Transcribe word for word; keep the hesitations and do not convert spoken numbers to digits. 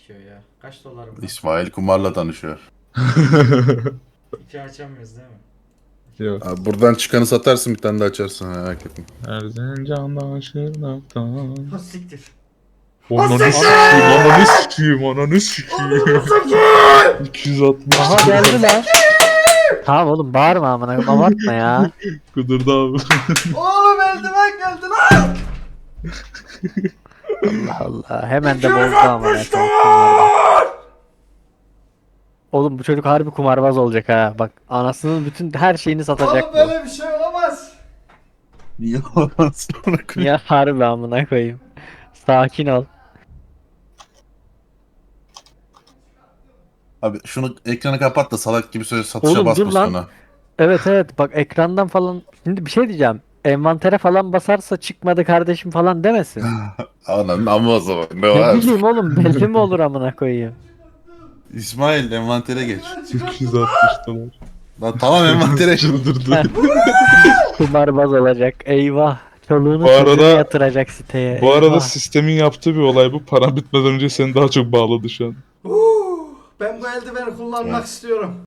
sikiyor ya. Kaç dolarım var? İsmail kumarla tanışıyor. İki açamıyoruz değil mi? Yok. Abi buradan çıkanı satarsın, bir tane de açarsın, merak etme. Erzincan'dan Şırnak'tan. Ha siktir. Ananı sikiyim, ananı sikiyim, ananı sikiyim. iki yüz altmış. Aha geldi lan. Tamam oğlum bağırma amına koyayım, abartma ya. Kudurdu abi. Oğlum eldiven geldi lan. Allah Allah. Hemen de bozdu amına koyayım. Oğlum bu çocuk harbi kumarbaz olacak ha. Bak anasının bütün her şeyini satacak Oğlum bu. böyle bir şey olamaz. Niye oradan sonra koy- Ya harbi amına koyayım. Sakin ol. Abi şunu ekranı kapat da salak gibi söyle, satışa Oğlum, dur basmasın lan. ona. Evet evet bak ekrandan falan. Şimdi bir şey diyeceğim. Envantere falan basarsa çıkmadı kardeşim falan demesin. Ananın amma o zaman. Ne Ne var? bileyim oğlum belli mi olur amına koyayım. İsmail envantere geç. iki yüz altmış dolar. Lan tamam, envantere. Çıldırdı. Kumarbaz olacak. Eyvah. Çoluğunu Bu arada- çocuğunu yatıracak siteye. Bu arada Eyvah. sistemin yaptığı bir olay bu. Paran bitmeden önce seni daha çok bağladı şu an. Huu, ben bu eldiveni kullanmak Evet. istiyorum.